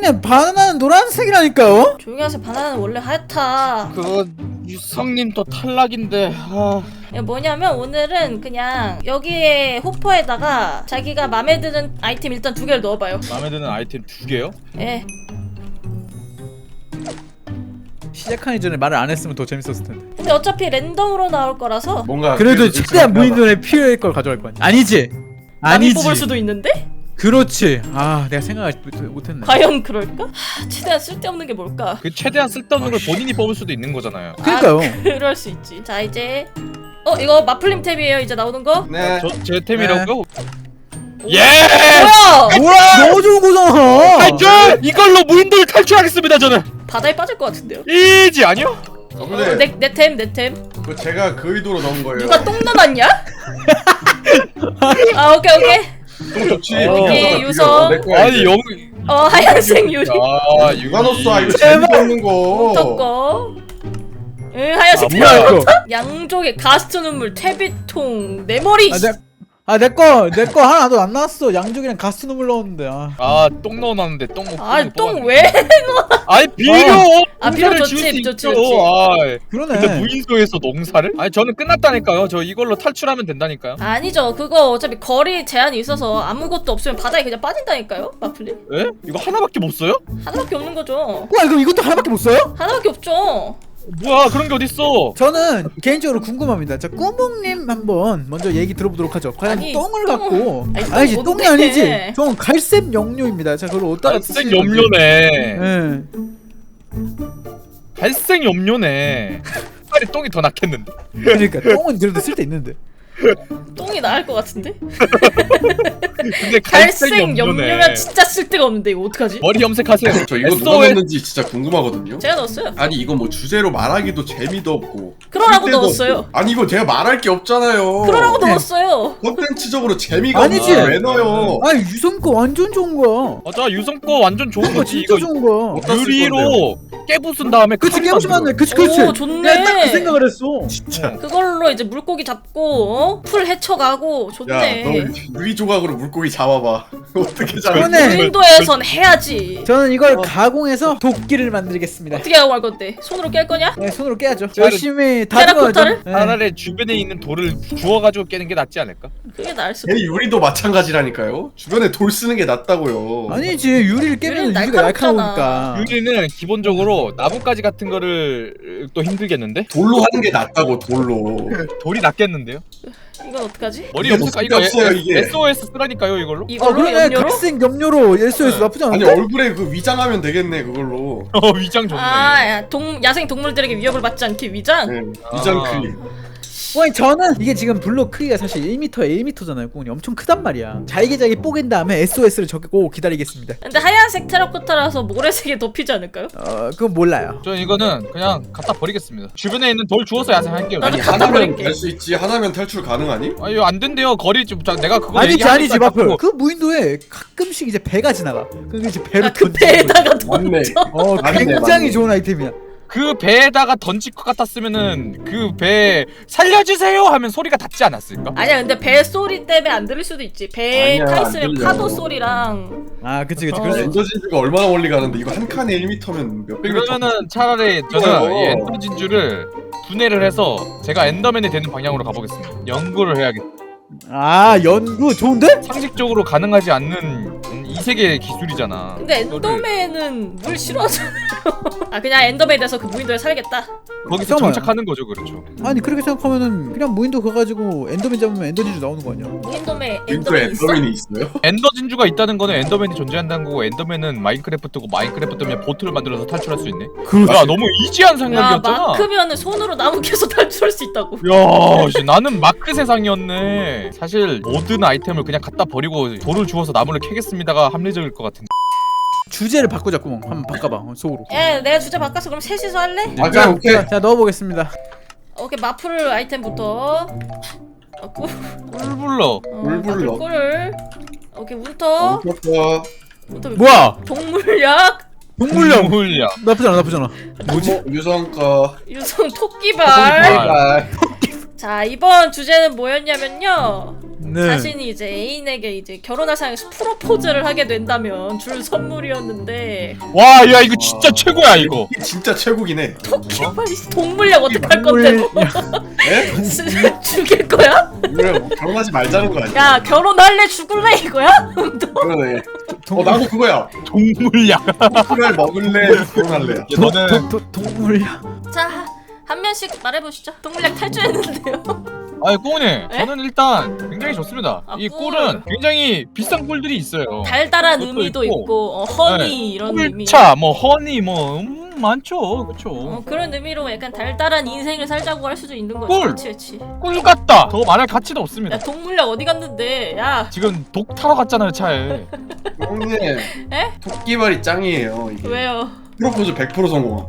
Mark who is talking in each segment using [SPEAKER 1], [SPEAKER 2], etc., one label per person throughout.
[SPEAKER 1] 꾸몽님 바나나는 노란색이라니까요?
[SPEAKER 2] 조용히 하세요. 바나나는 원래 하얗다.
[SPEAKER 3] 그거 유성님 또 탈락인데.
[SPEAKER 2] 뭐냐면 오늘은 그냥 여기에 호퍼에다가 자기가 맘에 드는 아이템 일단 2개를 넣어봐요.
[SPEAKER 3] 마음에 드는 아이템 2개요?
[SPEAKER 2] 예.
[SPEAKER 1] 시작하기 전에 말을 안 했으면 더 재밌었을 텐데.
[SPEAKER 2] 근데 어차피 랜덤으로 나올 거라서
[SPEAKER 4] 뭔가
[SPEAKER 1] 그래도 최대한 무인도에 필요할 걸 가져갈 거 아니야. 아니지.
[SPEAKER 2] 남이
[SPEAKER 1] 아니지.
[SPEAKER 2] 뽑을 수도 있는데?
[SPEAKER 1] 그렇지. 아, 내가 생각을 못했네.
[SPEAKER 2] 과연 그럴까? 최대한 쓸데없는 게 뭘까?
[SPEAKER 3] 그 최대한 쓸데없는 걸 본인이 뽑을 수도 있는 거잖아요.
[SPEAKER 1] 그러니까요.
[SPEAKER 2] 그럴 수 있지. 자 이제 이거 마플님 탭이에요. 이제 나오는 거.
[SPEAKER 4] 네.
[SPEAKER 3] 제 템이라고요? 예!
[SPEAKER 2] 뭐야?
[SPEAKER 1] 뭐야? 너무 좋은 거잖아.
[SPEAKER 3] 탈출! 이걸로 무인도를 탈출하겠습니다 저는.
[SPEAKER 2] 바다에 빠질 것 같은데요?
[SPEAKER 3] 이지 아니요?
[SPEAKER 4] 근데
[SPEAKER 2] 내 템.
[SPEAKER 4] 그거 제가 그 의도로 넣은 거예요.
[SPEAKER 2] 누가 똥 넣어놨냐? 아 오케이.
[SPEAKER 4] 똥 좋지.
[SPEAKER 2] 오케이, 유성.
[SPEAKER 4] 내 거야,
[SPEAKER 3] 아니
[SPEAKER 4] 이제.
[SPEAKER 3] 영.
[SPEAKER 2] 하얀색 유리.
[SPEAKER 3] 아
[SPEAKER 4] 누가 넣었어? 이거
[SPEAKER 1] 제발.
[SPEAKER 4] 재미없는 거.
[SPEAKER 2] 거. 응 하얀색
[SPEAKER 1] 뭐야
[SPEAKER 2] 템.
[SPEAKER 1] 이거?
[SPEAKER 2] 양쪽에 가스 눈물, 퇴비통, 내 머리.
[SPEAKER 1] 내 거 하나도 안 나왔어. 양쪽이랑 가스 눈물 넣었는데. 아.
[SPEAKER 3] 똥 넣어놨는데 똥.
[SPEAKER 2] 똥 왜?
[SPEAKER 3] 아니 비료.
[SPEAKER 2] 비료
[SPEAKER 3] 농사를
[SPEAKER 2] 좋지,
[SPEAKER 3] 지을 수
[SPEAKER 2] 좋지,
[SPEAKER 3] 있죠.
[SPEAKER 2] 좋지.
[SPEAKER 1] 그러네.
[SPEAKER 3] 근데 무인도에서 농사를? 아니 저는 끝났다니까요. 저 이걸로 탈출하면 된다니까요.
[SPEAKER 2] 아니죠. 그거 어차피 거리 제한이 있어서 아무것도 없으면 바다에 그냥 빠진다니까요. 마플님.
[SPEAKER 3] 에? 이거 하나밖에 못 써요?
[SPEAKER 2] 하나밖에 없는 거죠.
[SPEAKER 1] 와, 그럼 이것도 하나밖에 못 써요?
[SPEAKER 2] 하나밖에 없죠.
[SPEAKER 3] 뭐야 그런 게 어딨어?
[SPEAKER 1] 저는 개인적으로 궁금합니다. 자, 꾸몽님 한번 먼저 얘기 들어보도록 하죠. 과연
[SPEAKER 2] 아니,
[SPEAKER 1] 똥을
[SPEAKER 2] 똥-
[SPEAKER 1] 갖고
[SPEAKER 2] 아니, 똥
[SPEAKER 1] 아니지
[SPEAKER 2] 뭔데?
[SPEAKER 1] 똥이 아니지. 저건 갈색 염료입니다. 자, 그걸 어디다가
[SPEAKER 3] 갈색
[SPEAKER 1] 쓰시는 건지.
[SPEAKER 3] 염료네.
[SPEAKER 1] 예.
[SPEAKER 3] 갈색 염료네. 차라리 똥이 더 낫겠는데.
[SPEAKER 1] 그러니까 똥은 그래도 쓸 데 있는데.
[SPEAKER 2] 똥이 나을 것 같은데?
[SPEAKER 3] 근데
[SPEAKER 2] 갈색
[SPEAKER 3] 염료네.
[SPEAKER 2] 염료면 진짜 쓸데가 없는데 이거 어떡하지?
[SPEAKER 3] 머리 염색하세요.
[SPEAKER 4] 저 이거 누가
[SPEAKER 3] SOS.
[SPEAKER 4] 넣었는지 진짜 궁금하거든요.
[SPEAKER 2] 제가 넣었어요.
[SPEAKER 4] 아니 이거 뭐 주제로 말하기도 재미도 없고.
[SPEAKER 2] 그러라고
[SPEAKER 4] 쓸데도
[SPEAKER 2] 넣었어요.
[SPEAKER 4] 없고. 아니 이거 제가 말할 게 없잖아요.
[SPEAKER 2] 그러라고 넣었어요.
[SPEAKER 4] 콘텐츠적으로 재미가
[SPEAKER 1] 아니지.
[SPEAKER 4] 없는데 왜 넣어요?
[SPEAKER 1] 아니, 유성 거 완전 좋은 거야.
[SPEAKER 3] 맞아 유성 거 완전 좋은
[SPEAKER 1] 이거
[SPEAKER 3] 거지.
[SPEAKER 1] 진짜
[SPEAKER 3] 이거
[SPEAKER 1] 좋은 거야.
[SPEAKER 4] 어디다 쓸
[SPEAKER 3] 유리로 깨부순 다음에
[SPEAKER 1] 그치,
[SPEAKER 3] 칼
[SPEAKER 1] 깨우치면
[SPEAKER 3] 만들어.
[SPEAKER 1] 그치.
[SPEAKER 2] 오, 좋네.
[SPEAKER 1] 내가 딱 그 생각을 했어.
[SPEAKER 4] 진짜.
[SPEAKER 2] 그걸로 이제 물고기 잡고 풀 헤쳐가고
[SPEAKER 4] 야,
[SPEAKER 2] 좋네.
[SPEAKER 4] 너 유리 조각으로 물고기 잡아봐. 어떻게 잡아?
[SPEAKER 1] 그러네.
[SPEAKER 2] 무인도에선 해야지.
[SPEAKER 1] 저는 이걸 가공해서 도끼를 만들겠습니다.
[SPEAKER 2] 어떻게 하고 할 건데? 손으로 깰 거냐?
[SPEAKER 1] 네, 손으로 깨야죠.
[SPEAKER 3] 저는
[SPEAKER 1] 열심히
[SPEAKER 2] 테라코타를?
[SPEAKER 1] 다듬어야죠. 네.
[SPEAKER 3] 차라리 주변에 있는 돌을 주워가지고 깨는 게 낫지 않을까?
[SPEAKER 2] 그게 나을 수도.
[SPEAKER 4] 제 유리도 마찬가지라니까요. 주변에 돌 쓰는 게 낫다고요.
[SPEAKER 1] 아니지, 유리를 깨면
[SPEAKER 2] 유리는
[SPEAKER 1] 유리가 얄쌍하니까.
[SPEAKER 2] 날카롭잖아.
[SPEAKER 3] 유리는 기본적으로 나뭇가지 같은 거를 또 힘들겠는데?
[SPEAKER 4] 돌로 하는 게 낫다고 돌로.
[SPEAKER 3] 돌이 낫겠는데요?
[SPEAKER 2] 이건 어떡하지?
[SPEAKER 3] 머리
[SPEAKER 4] 이게
[SPEAKER 3] 염색
[SPEAKER 4] 뭐 없어요, 이게.
[SPEAKER 3] SOS 쓰라니까요 이걸로?
[SPEAKER 2] 이걸로
[SPEAKER 1] 그러네.
[SPEAKER 2] 염료로?
[SPEAKER 1] 갈색 염료로 SOS 나쁘지
[SPEAKER 4] 아니
[SPEAKER 1] 않은데?
[SPEAKER 4] 얼굴에 그 위장하면 되겠네 그걸로.
[SPEAKER 3] 위장 좋네.
[SPEAKER 2] 야생 동물들에게 위협을 받지 않게 위장?
[SPEAKER 4] 네, 위장
[SPEAKER 3] 아.
[SPEAKER 4] 크림.
[SPEAKER 1] 아니, 저는 이게 지금 블록 크기가 사실 1m에 1m잖아요. 꾸니 엄청 크단 말이야. 잘게잘게 뽀갠 다음에 SOS를 적고 기다리겠습니다.
[SPEAKER 2] 근데 하얀색 테라코타라서 모래색에 덮이지 않을까요?
[SPEAKER 1] 그건 몰라요.
[SPEAKER 3] 저 이거는 그냥 갖다 버리겠습니다. 주변에 있는 돌 주워서 야생할게요.
[SPEAKER 2] 나도
[SPEAKER 4] 아니
[SPEAKER 2] 갖다
[SPEAKER 4] 하나면
[SPEAKER 2] 버릴게.
[SPEAKER 4] 갈 수 있지. 하나면 탈출 가능하니?
[SPEAKER 3] 아 이거 안 된대요. 거리 좀 내가 그거
[SPEAKER 1] 아니지 마플.
[SPEAKER 3] 자꾸
[SPEAKER 1] 그 무인도에 가끔씩 이제 배가 지나가. 그게 이제 배로
[SPEAKER 2] 그
[SPEAKER 1] 던지는
[SPEAKER 2] 배에다가
[SPEAKER 4] 맞네.
[SPEAKER 2] 던져.
[SPEAKER 4] 맞네,
[SPEAKER 1] 굉장히
[SPEAKER 4] 맞네.
[SPEAKER 1] 좋은 아이템이야.
[SPEAKER 3] 그 배에다가 던질 것 같았으면은 그 배 살려주세요 하면 소리가 닿지 않았을까?
[SPEAKER 2] 아니야 근데 배 소리 때문에 안 들릴 수도 있지. 배에
[SPEAKER 4] 아니야,
[SPEAKER 2] 타
[SPEAKER 4] 안
[SPEAKER 2] 있으면
[SPEAKER 4] 들려.
[SPEAKER 2] 파도 소리랑.
[SPEAKER 1] 아, 그치.
[SPEAKER 2] 어.
[SPEAKER 1] 그럴 수 있지.
[SPEAKER 4] 엔더진주가 얼마나 멀리 가는데 이거 한 칸에 1m면 몇백 미터.
[SPEAKER 3] 그러면은 차라리 저는
[SPEAKER 4] 이거요.
[SPEAKER 3] 이 엔더 진주를 분해를 해서 제가 엔더맨이 되는 방향으로 가보겠습니다. 연구를 해야겠다.
[SPEAKER 1] 아, 연구 좋은데?
[SPEAKER 3] 상식적으로 가능하지 않는 이 세계의 기술이잖아.
[SPEAKER 2] 근데
[SPEAKER 3] 이거를
[SPEAKER 2] 엔더맨은 물 싫어하잖아요. 아 그냥 엔더맨 돼서 그 무인도에 살겠다.
[SPEAKER 3] 거기서
[SPEAKER 1] 잠깐만.
[SPEAKER 3] 정착하는 거죠, 그렇죠?
[SPEAKER 1] 아니, 그렇게 생각하면은 그냥 무인도 가가지고 엔더맨 잡으면 엔더진주 나오는 거 아니야?
[SPEAKER 2] 무인도에
[SPEAKER 4] 윈도에
[SPEAKER 2] 엔더맨 있어?
[SPEAKER 4] 엔더맨이 있어요?
[SPEAKER 3] 엔더 진주가 있다는 거는 엔더맨이 존재한다는 거고 엔더맨은 마인크래프트고 마인크래프트면 보트를 만들어서 탈출할 수 있네.
[SPEAKER 1] 그렇지.
[SPEAKER 3] 야, 너무 이지한
[SPEAKER 2] 야
[SPEAKER 3] 생각이었잖아.
[SPEAKER 2] 마크면은 손으로 나무 캐서 탈출할 수 있다고.
[SPEAKER 3] 야, 씨, 나는 마크 세상이었네. 사실 모든 아이템을 그냥 갖다 버리고 돌을 주워서 나무를 캐겠습니다가 합리적일 것 같은데.
[SPEAKER 1] 주제를 바꾸자, 꾸멍. 한번 바꿔봐, 속으로.
[SPEAKER 2] 야 내가 주제 바꿔서 그럼 셋이서 할래?
[SPEAKER 4] 맞아 오케이.
[SPEAKER 1] 자, 넣어보겠습니다.
[SPEAKER 2] 오케이 마플 아이템부터. 꿀.
[SPEAKER 3] 꿀불러.
[SPEAKER 4] 물불러.
[SPEAKER 2] 꿀. 오케이 문터.
[SPEAKER 4] 그렇다.
[SPEAKER 2] 문터
[SPEAKER 1] 뭐야?
[SPEAKER 2] 동물약.
[SPEAKER 1] 동물력.
[SPEAKER 3] 물야.
[SPEAKER 1] 나쁘잖아.
[SPEAKER 4] 뭐지? 유성과
[SPEAKER 2] 유성
[SPEAKER 3] 아,
[SPEAKER 2] 토끼발.
[SPEAKER 4] 바이바이.
[SPEAKER 2] 자, 이번 주제는 뭐였냐면요.
[SPEAKER 1] 네.
[SPEAKER 2] 자신이 이제 애인에게 이제 결혼할 상황에서 프로포즈를 하게 된다면 줄 선물이었는데
[SPEAKER 3] 와, 야 이거 진짜 최고야 이거.
[SPEAKER 4] 이게 진짜 최고긴 해.
[SPEAKER 2] 빨리 동물약 어떡할 건데 너?
[SPEAKER 4] 에?
[SPEAKER 2] 죽일 거야?
[SPEAKER 4] 왜 결혼하지 말자는 거 아니야?
[SPEAKER 2] 야 결혼할래 죽을래 이거야?
[SPEAKER 4] 그러네. 나도 그거야.
[SPEAKER 3] 동물약.
[SPEAKER 4] 그걸 먹을래 결혼할래.
[SPEAKER 3] 너는
[SPEAKER 1] 동물야.
[SPEAKER 2] 자, 한 명씩 말해보시죠. 동물약 탈주했는데요.
[SPEAKER 3] 아니 꿀네. 저는 일단 굉장히 좋습니다.
[SPEAKER 2] 아,
[SPEAKER 3] 이
[SPEAKER 2] 꿀.
[SPEAKER 3] 꿀은 굉장히 비싼 꿀들이 있어요.
[SPEAKER 2] 달달한
[SPEAKER 3] 그것도
[SPEAKER 2] 의미도
[SPEAKER 3] 있고.
[SPEAKER 2] 있고, 허니
[SPEAKER 3] 네.
[SPEAKER 2] 이런 의미.
[SPEAKER 3] 꿀차, 뭐 허니, 뭐 많죠, 그렇죠.
[SPEAKER 2] 그런 의미로 약간 달달한 인생을 살자고 할 수도 있는 거지.
[SPEAKER 3] 꿀!
[SPEAKER 2] 그렇지, 그렇지.
[SPEAKER 3] 꿀 같다. 더 말할 가치도
[SPEAKER 2] 야
[SPEAKER 3] 없습니다.
[SPEAKER 2] 동물약 어디 갔는데? 야.
[SPEAKER 3] 지금 독 타러 갔잖아요 차에.
[SPEAKER 4] 형님.
[SPEAKER 2] 에?
[SPEAKER 4] 토끼발이 짱이에요 이게.
[SPEAKER 2] 왜요?
[SPEAKER 4] 프로포즈 100% 성공.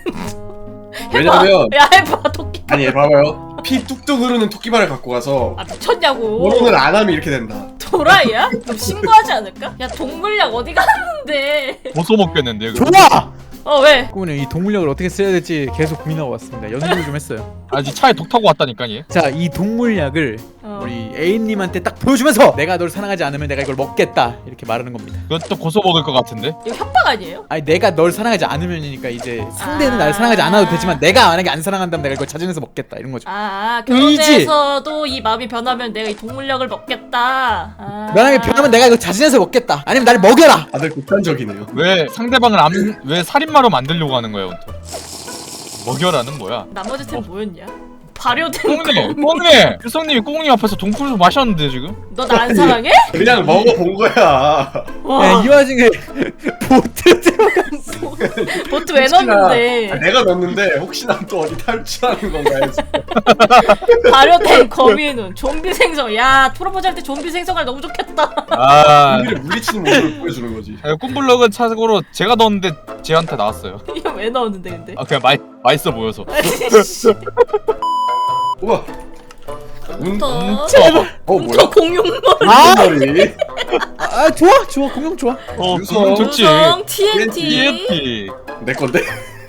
[SPEAKER 4] 왜냐면
[SPEAKER 2] 야 해봐 토끼.
[SPEAKER 4] 아니 봐봐요. 피 뚝뚝 흐르는 토끼발을 갖고 가서
[SPEAKER 2] 아 미쳤냐고.
[SPEAKER 4] 결혼을 안 하면 이렇게 된다.
[SPEAKER 2] 도라이야? 너 신고하지 않을까? 야 동물약 어디 갔는데?
[SPEAKER 3] 못 써먹겠는데요. 이거.
[SPEAKER 1] 좋아.
[SPEAKER 2] 왜?
[SPEAKER 1] 꾸문이 이 동물약을 어떻게 써야 될지 계속 고민하고 왔습니다. 연구를 좀 했어요.
[SPEAKER 3] 아직 차에 독 타고 왔다니까 얘.
[SPEAKER 1] 자, 이 동물약을 우리 애인님한테 딱 보여주면서 내가 널 사랑하지 않으면 내가 이걸 먹겠다 이렇게 말하는 겁니다.
[SPEAKER 3] 그것도 고소 먹을 것 같은데.
[SPEAKER 2] 이거 협박 아니에요?
[SPEAKER 1] 아니 내가 널 사랑하지 않으면이니까 이제 상대는
[SPEAKER 2] 아.
[SPEAKER 1] 날 사랑하지 않아도 되지만 내가 만약에 안 사랑한다면 내가 이걸 자진해서 먹겠다 이런 거죠.
[SPEAKER 2] 결혼해서도 이 마음이 변하면 내가 이 동물약을 먹겠다.
[SPEAKER 1] 만약에 변하면 내가 이거 자진해서 먹겠다. 아니면 나를 먹여라.
[SPEAKER 4] 다들 극단적이네요.
[SPEAKER 3] 왜 상대방을 왜 살인마로 만들려고 하는 거야, 원터? 먹여라는 뭐야?
[SPEAKER 2] 나머지 팀 뭐였냐? 발효된
[SPEAKER 3] 꽁님,
[SPEAKER 2] 거.
[SPEAKER 3] 꽁님, 교성님이 꽁님 앞에서 동풀을 마셨는데 지금?
[SPEAKER 2] 너 나 안 사랑해?
[SPEAKER 4] 그냥 먹어본 거야.
[SPEAKER 2] 와.
[SPEAKER 1] 야, 이 와중에 보트 들어가.
[SPEAKER 2] 보트 왜
[SPEAKER 4] 혹시나-
[SPEAKER 2] 넣었는데?
[SPEAKER 4] 내가 넣었는데 혹시나 또 어디 탈출하는 건가 해서.
[SPEAKER 2] 발효된 거미는 좀비 생성. 야 프로포즈 할 때 좀비 생성할 너무 좋겠다.
[SPEAKER 3] 아,
[SPEAKER 4] 우리를 물리치는 모습을 보여주는 거지.
[SPEAKER 3] 꿈블럭은 참고로 제가 넣었는데 쟤한테 나왔어요.
[SPEAKER 2] 이거 왜 넣었는데 근데?
[SPEAKER 3] 아 그냥 맛있어 보여서.
[SPEAKER 4] 우와.
[SPEAKER 2] 더
[SPEAKER 4] 뭐야?
[SPEAKER 2] 공룡머리.
[SPEAKER 1] 아!
[SPEAKER 4] 머리.
[SPEAKER 1] 아, 좋아 공룡 좋아.
[SPEAKER 4] 유성.
[SPEAKER 3] 그건 좋지.
[SPEAKER 2] 우성 TNT.
[SPEAKER 3] TNT.
[SPEAKER 4] 내 건데.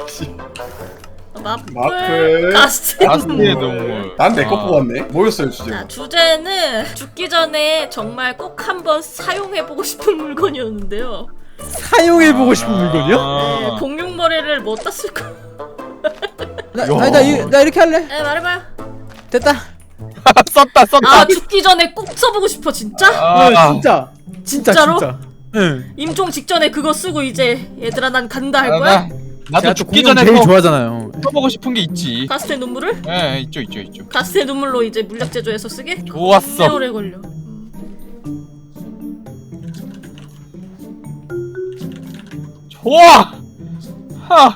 [SPEAKER 2] 마플.
[SPEAKER 4] 마플.
[SPEAKER 2] 가스트.
[SPEAKER 3] 가스의 동물.
[SPEAKER 4] 난 내 거
[SPEAKER 3] 아.
[SPEAKER 4] 뽑았네. 뭐였어요 주제가?
[SPEAKER 2] 자 주제는 죽기 전에 정말 꼭 한번 사용해보고 싶은 물건이었는데요.
[SPEAKER 1] 사용해보고 싶은 물건이요?
[SPEAKER 2] 네,
[SPEAKER 3] 아.
[SPEAKER 2] 공룡머리를 뭐 어디다 쓸까?
[SPEAKER 1] 나 이렇게 할래.
[SPEAKER 2] 네 말해봐요.
[SPEAKER 1] 됐다.
[SPEAKER 3] 썼다.
[SPEAKER 2] 아 죽기 전에 꼭 써보고 싶어 진짜?
[SPEAKER 3] 아,
[SPEAKER 1] 진짜.
[SPEAKER 2] 진짜로?
[SPEAKER 1] 응.
[SPEAKER 2] 임종 직전에 그거 쓰고 이제 얘들아 난 간다 할
[SPEAKER 3] 나-
[SPEAKER 2] 거야?
[SPEAKER 3] 나도
[SPEAKER 1] 제가 또
[SPEAKER 3] 죽기
[SPEAKER 1] 공룡
[SPEAKER 3] 전에
[SPEAKER 1] 제일
[SPEAKER 3] 꼭
[SPEAKER 1] 좋아하잖아요.
[SPEAKER 3] 써보고 싶은 게 있지.
[SPEAKER 2] 가스의 눈물을?
[SPEAKER 3] 예, 있죠.
[SPEAKER 2] 가스의 눈물로 이제 물약 제조해서 쓰게?
[SPEAKER 3] 좋았어.
[SPEAKER 2] 꽤 오래 걸려.
[SPEAKER 3] 좋아. 하.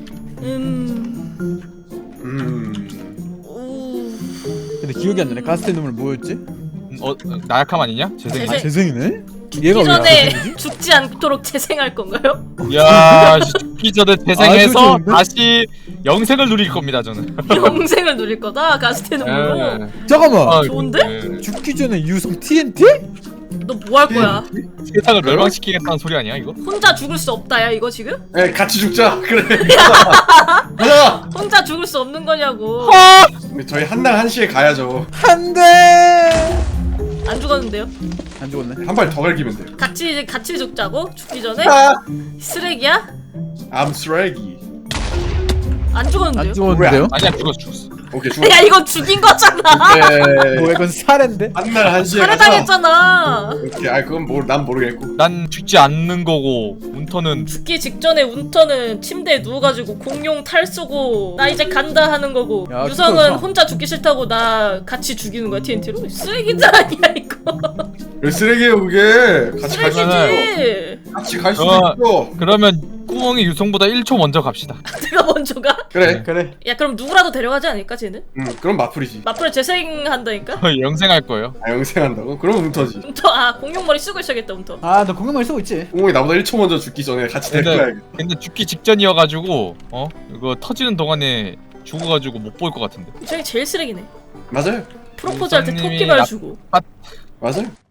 [SPEAKER 2] 오.
[SPEAKER 1] 근데 기억이 안 나네. 가스의 눈물 뭐였지?
[SPEAKER 3] 나약함 아니냐? 재생.
[SPEAKER 2] 재생.
[SPEAKER 1] 재생이네?
[SPEAKER 2] 죽기
[SPEAKER 1] 얘가 왜
[SPEAKER 2] 전에
[SPEAKER 1] 재생이지?
[SPEAKER 2] 죽지 않도록 재생할 건가요?
[SPEAKER 3] 야, 죽기 전에 재생해서
[SPEAKER 1] 아, 좋은데?
[SPEAKER 3] 다시 영생을 누릴 겁니다, 저는.
[SPEAKER 2] 영생을 누릴 거다 가스의 눈물로.
[SPEAKER 3] 예.
[SPEAKER 1] 잠깐만.
[SPEAKER 3] 아,
[SPEAKER 2] 좋은데?
[SPEAKER 3] 예.
[SPEAKER 1] 죽기 전에 유성 TNT?
[SPEAKER 2] 너 뭐 할 거야?
[SPEAKER 3] 세상을 멸망시키겠다는 소리 아니야, 이거?
[SPEAKER 2] 혼자 죽을 수 없다야 이거 지금?
[SPEAKER 4] 네, 같이 죽자. 그래. 가자.
[SPEAKER 2] 혼자 죽을 수 없는 거냐고.
[SPEAKER 4] 저희 한날 1시에 가야죠.
[SPEAKER 1] 안 돼.
[SPEAKER 2] 안 죽었는데요?
[SPEAKER 1] 안 죽었네.
[SPEAKER 4] 한 발 더 갈기면 돼요.
[SPEAKER 2] 같이 죽자고? 죽기 전에?
[SPEAKER 4] 아,
[SPEAKER 2] 쓰레기야?
[SPEAKER 4] I'm 쓰레기.
[SPEAKER 2] 안 죽었는데요?
[SPEAKER 1] 안 죽었는데요?
[SPEAKER 3] 아니야, 죽었어.
[SPEAKER 4] 오케이 죽어.
[SPEAKER 2] 야 이거 죽인 거잖아.
[SPEAKER 4] 네.
[SPEAKER 1] 뭐야 이건 살인데?
[SPEAKER 4] 한날 1시에 가자.
[SPEAKER 2] 살해당했잖아.
[SPEAKER 4] 오케이. 아 그건 난 모르겠고.
[SPEAKER 3] 난 죽지 않는 거고, 운터는
[SPEAKER 2] 죽기 직전에 운터는 침대에 누워가지고 공룡 탈 쏘고 나 이제 간다 하는 거고
[SPEAKER 1] 야,
[SPEAKER 2] 유성은
[SPEAKER 1] 그거
[SPEAKER 2] 혼자 죽기 싫다고 나 같이 죽이는 거야 TNT로? 쓰레기들 아니야 이거.
[SPEAKER 4] 왜 쓰레기예요 그게? 같이 갈 수도 있고.
[SPEAKER 2] 쓰레기지.
[SPEAKER 4] 같이 갈 수도
[SPEAKER 3] 어.
[SPEAKER 4] 있고.
[SPEAKER 3] 그러면 꾸멍이 유성보다 1초 먼저 갑시다.
[SPEAKER 2] 내가 먼저 가?
[SPEAKER 4] 그래.
[SPEAKER 1] 그래.
[SPEAKER 2] 야 그럼 누구라도 데려가지 않을까 쟤는?
[SPEAKER 4] 그럼 마플이지.
[SPEAKER 2] 마플을 재생한다니까?
[SPEAKER 3] 영생할 거예요.
[SPEAKER 4] 아 영생한다고? 그럼 운터지.
[SPEAKER 2] 운터 공룡머리 쓰고 있어야겠다 운터.
[SPEAKER 1] 아, 너 공룡머리 쓰고 있지?
[SPEAKER 4] 공공이 나보다 1초 먼저 죽기 전에 같이 데려가야겠다.
[SPEAKER 3] 근데 죽기 직전이어가지고, 이거 터지는 동안에 죽어가지고 못 볼 것 같은데.
[SPEAKER 2] 저게 제일 쓰레기네.
[SPEAKER 4] 맞아요.
[SPEAKER 2] 프로포즈 할 때
[SPEAKER 3] 유성님이
[SPEAKER 2] 토끼발 주고.
[SPEAKER 4] 맞아요.